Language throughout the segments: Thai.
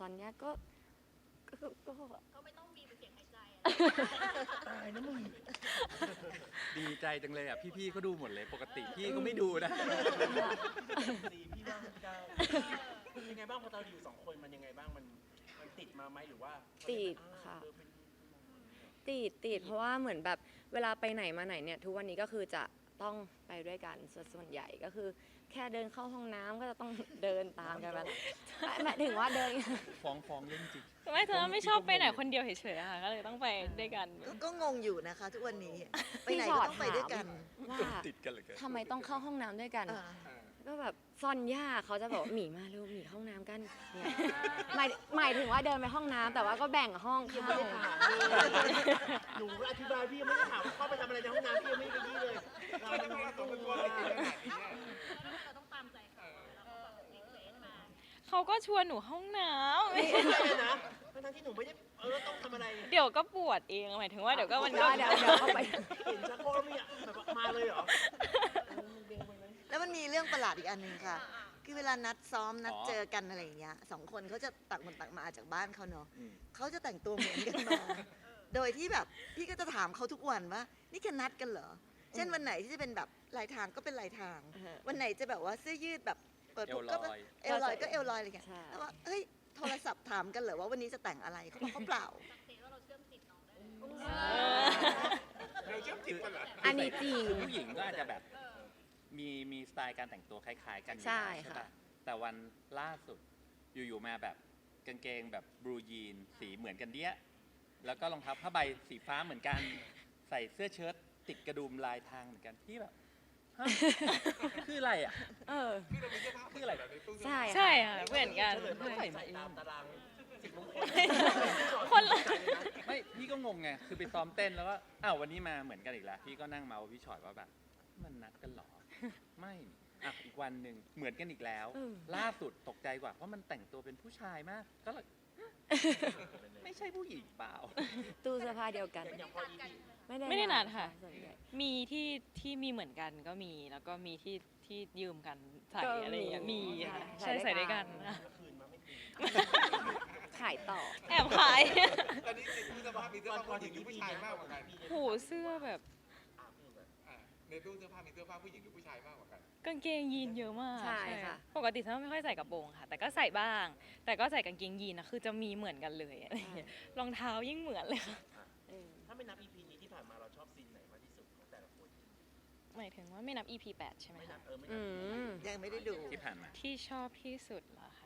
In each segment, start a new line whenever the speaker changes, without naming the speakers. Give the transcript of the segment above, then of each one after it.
อนเนี้ยก็
ไม่ต้องมีเป็นเสียงหายใจ
ตายนะมึง
ดีใจจังเลยอ่ะพี่ๆก็ดูหมดเลยปกติพี่ก็ไม่ดูนะ
สีพี่ว่างพี่ก้าวยังไงบ้างพอเราอยู่สองคนมันยังไงบ้างมันติดมาไหมหรือว่า
ติดค่ะ ติดเพราะว่าเหมือนแบบเวลาไปไหนมาไหนเนี่ยทุกวันนี้ก็คือจะต้องไปด้วยกันส่วนใหญ่ก็คือแค่เดินเข้าห้องน้ำก็จะต้องเดินตามกันไปหมายถึงว่าเดิน
ฟ้องเรื่องจริง
ไม่เธอไม่ชอบไปไหนคนเดียวเฉยๆค่ะก็เลยต้องไปด้วยกัน
ก็งงอยู่นะคะ ทุกวันนี้ไปไหน
พี่ช
ก็
อต
ต้องไปด้วยกัน
ว่า
ติดกันเลย
ทำไมต้องเข้าห้องน้ำด้วยกัน
อ่า
ก็แบบซอนย่าเขาจะบอกว่าหมีมาเร็วหมีเข้าห้องน้ำกันเนี่ยหมายถึงว่าเดินไปห้องน้ำแต่ว่าก็แบ่งห้องเข้า
หนูอธิบายพี่ยังไม่ได้ถามเข้าไปทำอะไรในห้องน้ำพี่ยังไม่ได้ยี่เลยเราจะมาตัวเป็นตัวอะไรกันขนาดนี้
เราต้องตามใจเขาแล้วก็แบบรีเควสมา
เขาก็ชวนหนูห้องน้
ไม่ใช่นะทั้งที่หนูไม่ได้ต้องทำอะไร
ำ เดี๋ยวก็ปวดเองหมายถึงว่าเดี๋ยวก็มันก็
เดี๋ยวเข้าไป
เห็นชักโครกแล้วแบบมาเลยเหรอ
แล้วมันมีเรื่องประหลาดอีกอันหนึ่งค่ะ คือเวลานัดซ้อมนัดเจอกันอะไรอย่างเงี้ยสองคนเขาจะต่างคนต่างมาจากบ้านเขาเนาะเขาจะแต่งตัวเหมือนกันมา โดยที่แบบพี่ก็จะถามเขาทุกวันว่านี่แค่นัดกันเหรอ เช่นวันไหนที่จะเป็นแบบลายทางก็เป็นลายทาง วันไหนจะแบบว่าเสื้อยืดแบบเปิดปุ๊บก็เอวลอยก็เอวลอยอะไรอย่างเงี้ย
ใช่
แล้วว่าเฮ้ยโทรศัพท์ถามกันเหรอว่าวันนี้จะแต่งอะไรเขาบอกเขาเปล่า
สักเซว่าเราเชื่อมจิตน้องได้เลย
เราเชื่อจิตกันเหรอ
อันนี้จริง
ผู้หญิงก็อาจจะแบบมีสไตล์การแต่งตัวคล้ายๆกันอยู่
ใช่
แล้ว
ค่ะ
ปแต่วันล่าสุดอยู่ๆมาแบบกางเกงแบบบลูยีนสีเหมือนกันเดี้ยแล้วก็รองเท้าผ้าใบสีฟ้าเหมือนกันใส่เสื้อเชิ้ตติดกระดุมลายทางเหมือนกันพี่แบบฮะคืออะไรอ่ะ
เออ
คืออะไร
ใช่
ใช่ค่ะเหมือนกัน
เฉลยมาใส่ตามตารางสิบมงคล
คนละ
ไม่พี่ก็งงไงคือไปซ้อมเต้นแล้วก็อ้าววันนี้มาเหมือนกันอีกแล้วพี่ก็นั่งเมาส์พี่ชอตว่าแบบมันนัดกันเหรอไม่อ่ะอีกวันหนึ่งเหมือนกันอีกแล้ว ล่าสุดตกใจกว่าเพราะมันแต่งตัวเป็นผู้ชายมากก็เลยไม่ใช่ผู้หญิงเปล่า
ตู้เสื้อผ้าเดียวกัน
อย่างพอ
ไม่ได้นัดค่ะ
ส่วนใหญ่
มีที่มีเหมือนกันก็มีแล้วก็มีที่ยืมกันใส่
ก็
อะไรอย่างเงี้ย
มี
มีค่ะ
ใส่
ใช่
ด้วยกัน
ใส่ด้วยกันค่ะ
คืนมาไม่คืน
ขายต่อ
แอบขาย
ตอนนี้ในตู้เสื้อผ้ามีเสื้อผ้าผู้หญิงหรือผู้ชายมากกว่ากัน
โหเสื้อแบบ
อ่าในตู้เสื้อผ้ามีเสื้อผ้าผู้หญิงหรือผู้ชายมากกว่ากัน
กางเกงยีนเยอะมาก
ใช่ค่ะ
ปกติฉันไม่ค่อยใส่กระโปรงค่ะ แต่ก็ใส่บ้าง แต่ก็ใส่กางเกงยีนนะคือจะมีเหมือนกันเลยอะไรอย่างเงี้ยรองเท้ายิ่งเหมือนเลยค่ะ
ถ้าไม่นับ EP นี้ที่ผ่านมาเราชอบซีนไหนมากที่สุดของแต่ละคน
หมายถึงว่าไม่นับ EP 8 ใช่ไหม
ไม่นั
คะ
บไม่นั
อื
บ
ม
ยังไม่ได้ดู
ที่ผ่านมา
ที่ชอบที่สุดเหรอคะ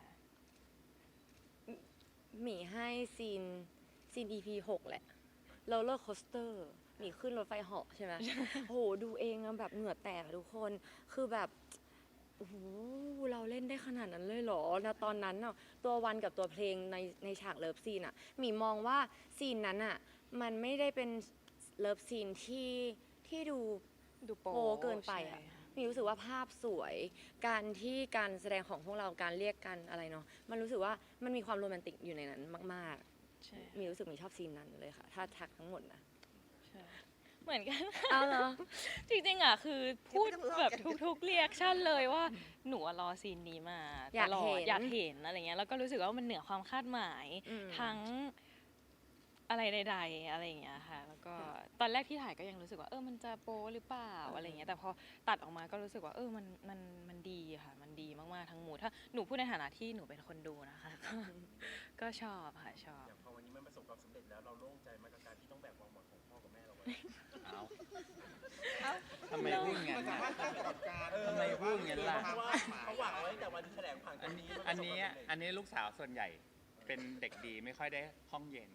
หมีให้ซีน EP 6 แหละโรลเลอร์โคสเตอร์หมีขึ้นรถไฟเหาะใช่ไหม โหดูเองอะแบบเหงื่อแตกอะทุกคนคือแบบโอ้โหเราเล่นได้ขนาดนั้นเลยเหรอนะตอนนั้นน่ะตัววันกับตัวเพลงในฉากเลิฟซีนอะหมีมองว่าซีนนั้นอะมันไม่ได้เป็นเลิฟซีนที่ดู
ดูโป๊
โป๊เกินไปอะ
ใช่ค่ะ
มีรู้สึกว่าภาพสวย การแสดงของพวกเราการเรียกกันอะไรเนาะมันรู้สึกว่ามันมีความโรแมนติกอยู่ในนั้นมาก
ใช่
ๆ มีรู้สึกมีชอบซีนนั้นเลยค่ะ ถ้าทักทั้งหมดนะ
ใช่เหมือนกัน
เอาเหรอ
จริงๆอ่ะคือพูด
ไม่ต้องเล่า
แบบ
กัน
ทุกๆเรียกชั่นเลยว่าหนูอะรอซีนนี้มา
อยาก
ตลอ
เห็
ด
น
อยากเห็นอะไรเงี้ยแล้วก็รู้สึกว่ามันเหนือความคาดหมาย
อืม
ทั้งอะไรใดๆอะไรอย่างเงี้ยค่ะ แล้วก็ตอนแรกที่ถ่ายก็ยังรู้สึกว่ามันจะโป๊หรือเปล่าอะไรเงี้ยแต่พอตัดออกมาก็รู้สึกว่ามันดีค่ะมันดีมากๆทั้งหมดถ้าหนูพูดในฐานะที่หนูเป็นคนดูนะคะ ก็ชอบค่ะชอบ
อย่างพอวันนี้มันประสบความสำเร็จแล้วเราโล่งใจมากกับการที่ต้องแบกความหวังของพ่อกับแม่เราไว้
เอาทำไมพูดอย่าง
มัน
นั้น
สามารถสร้างประวัติการณ์
ทำไมพูดอย่างนั้นล่ะ
เพราะว่าเขาหวังไว้แต่วันแถลงผ่านค
อั
น
น
นี้
อันนี้อันนี้ลูกสาวส่วนใหญ่เป็นเด็กดีไม่ค่อยได้ห้องเย็น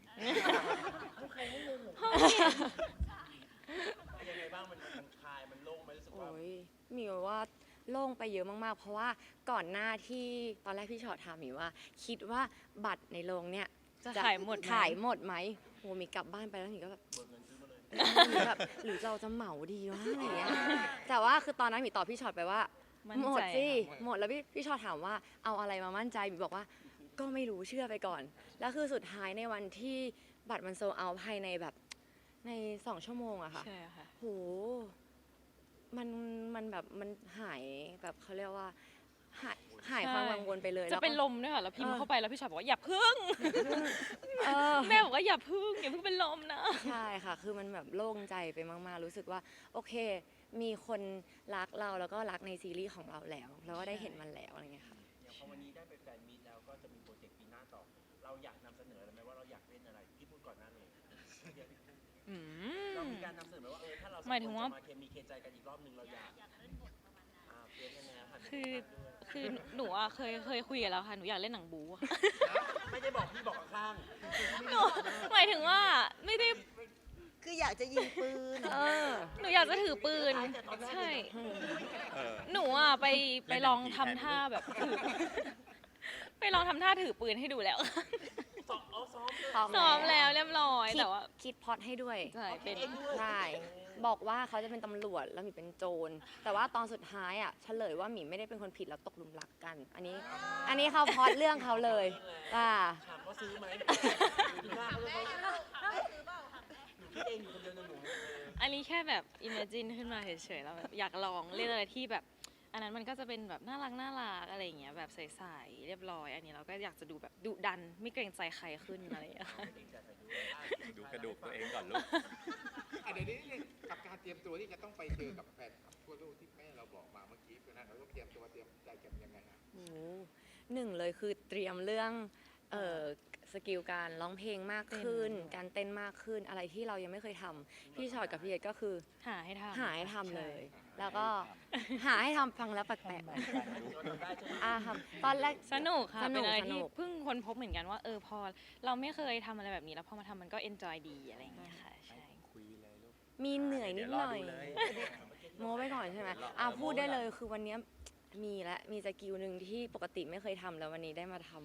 ยังไงบ้างมันคลายมันโล่งไหมรู้สึกว่า
โอ้ยหมีว่าโล่งไปเยอะมากๆ เพราะว่าก่อนหน้าที่ตอนแรกพี่ชอตถามหมีว่า คิดว่าบัตรในโรงเนี่ย
จะขายหมดไหม
ขายหมดไหมโหหมีกลับบ้านไปแล้วหมีก็แบบ
เบิกเงินซื้อมาเลย
แบบหรือเราจะเหมาดีวะอะไรอย่างเงี้ยแต่ว่าคือตอนนั้นหมีตอบพี่ชอตไปว่า
มั่น
หม
ใจ
ดสิ
ค่ะ
หมดแล้วพี่ชอตถามว่าเอาอะไรมามั่นใจหมีบอกว่าก็ไม่รู้เชื่อไปก่อน แล้วคือสุดท้ายในวันที่บัตรมันโซลเอาท์ภายในแบบใน2 ชั่วโมงอะค่ะ
ใช่ค่ะ
โหมันแบบมันหายแบบเขาเรียกว่าหายหายความกังวลไปเลย
จะ
แล้วก็
เป็นลมด้วยค่ะแล้วพิมพ์
เออ
เข้าไปแล้วพี่ชอยบอกว่าอย่าพึ่ง
เออ
แม่บอกว่าอย่าพึ่งเป็นลมนะ
ใช่ค่ะ คือมันแบบโล่งใจไปมากๆ รู้สึกว่าโอเค มีคนรักเราแล้วก็รักในซีรีส์ของเราแล้วก็ได้เห็นมันแล้วอะไรเงี้ยค่ะ
อย่างพอวันนี้ได้ไปแฟนมีตแล้วก็จะมีโปรเจกต์ปีหน้าต่อ เราอยากนำเสนออะไรไหมว่าเราอยากเล่นอะไรพี่พูดก่อนหน้าเลยเดี๋ยวพี่พูด
อืม
เรามีการนำเสนอไหมว่าถ้าเราสอง
หมายถึงว่า
คนจะมาเคมีเคใจกันอีกรอบนึงเราอยากเปลี่ยนยังไงหันไป
คือ
ทางด้านด้วย
หนูอะเคยคุยกันแล้วค่ะหนูอยากเล่นหนังบูอะค่ะ
ไม่ได้บอกพี่บอกข้าง
หนูหมายถึงว่าไม่ได้
คืออยากจะยิงปืน
เออ
หนูอยากจะถือปืน ใช่
เออ
หนูอ่ะไป
เล่น
ลอง
หนังผี
ทำท่าแบบถือ ไปลองทำท่าถือปืนให้ดูแล้ว ซ้อมแล้วเรียบร้อย
คิด
แต่ว่า
คิดพล็อดให้ด้วย
ใช่เป็น
ใช่บอกว่าเขาจะเป็นตำรวจแล้วหมีเป็นโจร แต่ว่าตอนสุดท้ายอ่ะเฉลยว่าหมีไม่ได้เป็นคนผิดแล้วตกหลุมรักกัน อันนี้เขาพล็อดเรื่องเขาเลย
ถามว่าซื้อไหมปีหน้าเขาจะเขาหนูคิดเองอยู่คนเดียวนะหนู
อันนี้แค่แบบ imagine ขึ้นมาเฉยๆแล้วแบบอยากลองเล่นอะไรที่แบบ อันนั้นมันก็จะเป็นแบบน่ารักอะไรอย่างเงี้ยแบบใสๆเรียบร้อย อันนี้เราก็อยากจะดูแบบดุดันไม่เกรงใจใครขึ้นอะไรอย่างเงี้ย
ดูกระดูกตัวเองก่อนลูก
เดี๋ยวนี้กับการเตรียมตัวที่จะต้องไปเจอกับแฟนคลับทั่วโลกที่แม่เราบอกมาเมื่อกี้นะเราต้องเตรียมตัวเตรียมใจกันยังไงฮะ
โอ้โหหนึ่งเลยคือเตรียมเรื่องสกิลการร้องเพลงมากขึ้น การเต้นมากขึ้นอะไรที่เรายังไม่เคยทำพี่ชอยกับพี่เอ็ดก็คือ
หาให้ทำ
หาให้ทำเลย แล้วก็หาให้ทำฟังแล้วแปลกๆครับตอนแรก
สนุกค่ะ
สนุ
เป็น
ก
อะไร
ส
ที่
นุก
เพิ่งค้นพบเหมือนกันว่าพอเราไม่เคยทำอะไรแบบนี้แล้วพอมาทำมันก็เอนจอยดีอะไรอย่างเงี้ยค่ะใช่
คุยเลยลูก
มีเหนื่อยนิดหน่อย
เดี๋ยวรอดูเลย
โม้ไปก่อนใช่ไหม
เดี๋ยวรอ
พูด
โม้
ได้
ไปก่อน
เลยคือวันเนี้ยมีสกิลหนึ่งที่ปกติไม่เคยทำแล้ววันนี้ได้มาทำ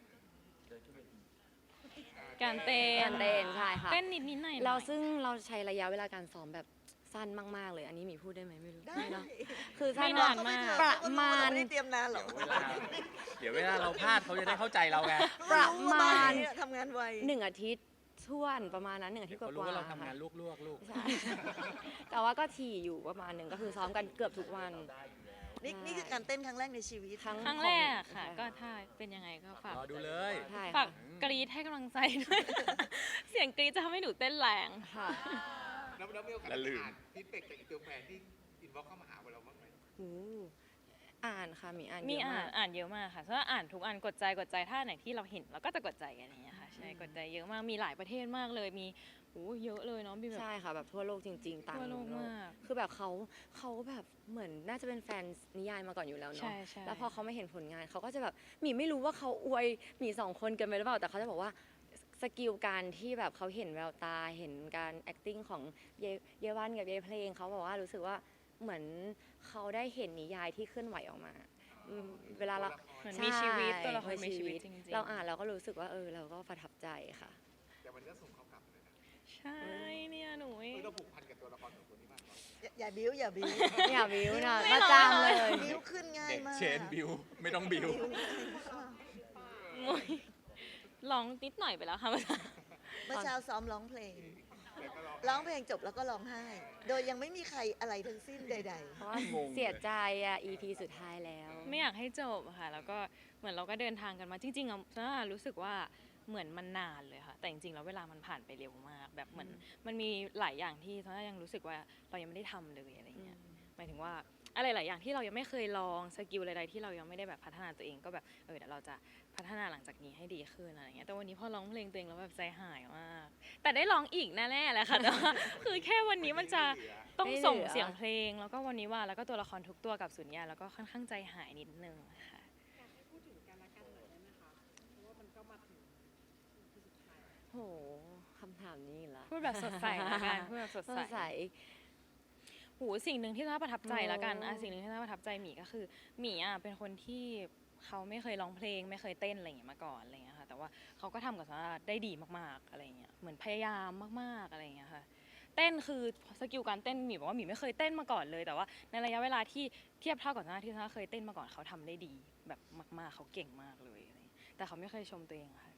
การเต้
การเต้นใช่ค่ะ
เต้นนิดหน่อยๆ
เราซึ่งเราใช้ระยะเวลาการซ้อมแบบสั้นมากๆเลย อันนี้หมีพูดได้ไหมไม่รู้
ได้
ไม่เนอะคือสั้
ไม่
น
นาน
มาก
มาก
ประมาณ
ไม่ได้เตรียมนานหรอก
เดี๋ยวเวลาเราพลาดเขาจะได้เข้าใจเราไง
ประมาณ
ทำงานไว
1 อาทิตย์ช่วนประมาณนั้น1 อาทิตย์ก
เขารู้
ว่า
ว่าเรา
ๆ
ทำงาน
ค่ะ
ลวกๆลูก
ใช่ แต่ว่าก็ถี่อยู่ประมาณหนึ่งก็คือซ้อมกันเกือบทุกวัน
นี่คือการเต้นครั้งแรกในชีวิต
ครั้งแรกค่ะ ก็ถ้าเป็นยังไงก็ฝาก
รอดูเลย
ใช่
ฝา
ค่ะ
กกรี๊ดให้กำลังใจด้วย เสียงกรี๊ดจะทำให้หนูเต้นแรง
ค่ะ
แล้วมีโอกาส
อย่าลืม
อ่านฟีดแบ็กจากอินเตอร์แฟนที่อินบ็อกเข้ามาหาเราบ้างไหม
โอ้อ่านค่ะมีอ่าน
มี
เยอะมาก
อ่านเยอะมากค่ะถ้าอ่านทุกอันกดใจถ้าไหนที่เราเห็นเราก็จะกดใจกันอย่างเงี้ยค่ะใช่กดใจเยอะมากมีหลายประเทศมากเลยมีเยอะเลยเนาะมีแบบ
ใช่ค่ะแบบทั่วโลกจริงๆต่าง
ทั่วโลก
โลก
มาก
คือแบบเขาแบบเหมือนน่าจะเป็นแฟนนิยายมาก่อนอยู่แล้ว
ใช่
เนาะ
ใช่
แล้วพอเขาไม่เห็นผลงานเขาก็จะแบบหมีไม่รู้ว่าเขาอวยหมี2 คนกันไปหรือเปล่าแต่เขาจะบอกว่าสกิลการที่แบบเขาเห็นแววตาเห็นการ acting ของเยวันกับเยเพลงเขาบอกว่ารู้สึกว่าเหมือนเขาได้เห็นนิยายที่เคลื่อนไหวออกมาเวลาเรา
เหมือนมีชีวิต
ใช่
ตัวละครมีชีวิตจริงๆ
เราอ่านเราก็รู้สึกว่าเราก็ประทับใจค่ะ
แต่มันก็ส่งเขากลับเลยนะ
ใช่เนี่ยหนูเอง
เราผูกพันกับตัวละครของคนนี้มากเนาะ
อย่าบิ้วอย่าบิ้ว
อย่าบิวนะ
ไม่
ประ
น้อย
จำเลย
บิ้วขึ้นง่าย
เด็ก
มาก
เชนบิวไม่ต้องบิว
บิ้วง่ายมาก
โอ้ยร้องนิดหน่อยไปแล้วค่ะ
เมื่อเช้าซ้อมร้องเพลง
แต่ก็
ร้องเพลงจบแล้วก็ร้องไห้ โดยยังไม่มีใครอะไรทั้งสิ้นใด
เพราะว่าง
งเลย
เสียใจEP สุดท้ายแล้ว
ไม่อยากให้จบค่ะ แล้วก็เหมือนเราก็เดินทางกันมาจริงๆอ่ะซาร่ารู้สึกว่าเหมือนมันนานเลยค่ะ แต่จริงๆแล้วเวลามันผ่านไปเร็วมาก แบบเหมือนมันมีหลายอย่างที่ซาร่ายังรู้สึกว่าเรายังไม่ได้ทำเลยอะไรเงี้ยหมายถึงว่าอะไรหลายอย่างที่เรายังไม่เคยลองสกิลอะไรๆที่เรายังไม่ได้แบบพัฒนาตัวเองก็แบบเดี๋ยวเราจะพัฒนาหลังจากนี้ให้ดีขึ้นอะไรเงี้ยแต่วันนี้พอร้องเพลงตัวเองแล้วแบบใจหายมากแต่ได้ร้องอีกแน่ๆแหละค่ะแต่ว่าคือแค่วันนี้มันจะ ต้องส่ง
ไม่เหลือ
เสียงเพลงแล้วก็วันนี้ว่าแล้วก็ตัวละครทุกตัวกับสุญญาแล้วก็ค่อนข้างใจหายนิดนึงค่ะ
โหคำถามนี้อีกละ
พูดแบบสดใสละกันพูดแบบสด
สด
ใส
ใส
หูสิ่งหนึ่งที่น่าประทับใจละกัน
โอ้
สิ่งหนึ่งที่น่าประทับใจหมีก็คือหมีเป็นคนที่เขาไม่เคยร้องเพลงไม่เคยเต้นอะไรอย่างเงี้ยมาก่อนอะไรอย่างเงี้ยค่ะแต่ว่าเขาก็ทำกับซาร่าได้ดีมากๆอะไรอย่างเงี้ยเหมือนพยายามมากๆอะไรอย่างเงี้ยค่ะเต้นคือสกิลการเต้นหมีบอกว่าหมีไม่เคยเต้นมาก่อนเลยแต่ว่าในระยะเวลาที่เทียบเท่ากับซาร่าที่ซาร่าเคยเต้นมาก่อนเขาทำได้ดีแบบมากๆเขาเก่งมากเลยอะไรอย่างเงี้ยแต่เขาไม่เคยชมตัวเองค่ะ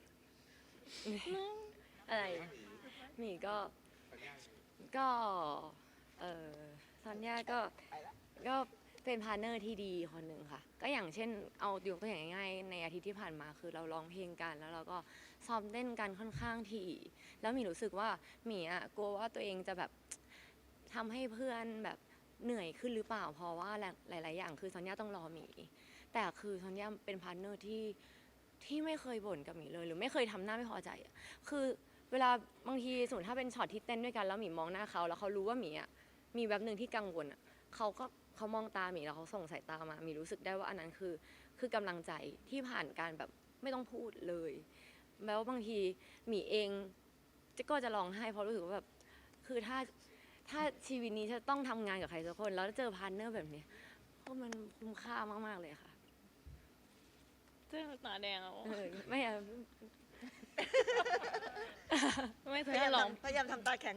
อะไรหมีก็
สัญญาณ
ก็ซอนย่าก็เป็นพาร์ทเนอร์ที่ดีคนหนึ่งค่ะ ก็อย่างเช่นเอายกตัวอย่างง่ายๆในอาทิตย์ที่ผ่านมาคือเราร้องเพลงกันแล้วเราก็ซ้อมเต้นกันค่อนข้างถี่แล้วหมีรู้สึกว่าหมีอ่ะกลัวว่าตัวเองจะแบบทำให้เพื่อนแบบเหนื่อยขึ้นหรือเปล่าเพราะว่าหลาย ๆ อย่างคือซอนยาต้องรอหมีแต่คือซอนยาเป็นพาร์ทเนอร์ที่ไม่เคยบ่นกับหมีเลยหรือไม่เคยทำหน้าไม่พอใจอะคือเวลาบางทีสมมติถ้าเป็นช็อตที่เต้นด้วยกันแล้วหมีมองหน้าเขาแล้วเขารู้ว่าหมีอ่ะมีแบบหนึ่งที่กังวลอ่ะเขามองตาหมีแล้วเขาส่งสายตามาหมีรู้สึกได้ว่าอันนั้นคือกำลังใจที่ผ่านการแบบไม่ต้องพูดเลยแล้วบางทีหมีเองก็จะร้องไห้เพราะรู้สึกว่าแบบคือถ้าชีวิตนี้จะต้องทำงานกับใครสักคนแล้วเจอพาร์ทเนอร์แบบนี้ก็มันคุ้มค่ามากๆเลยค่ะ
เจ้าตาแดงอ่ะ
ไม่อะ
ไม่เธ
พยายาม
อลอง
พยายามทำตาแข็ง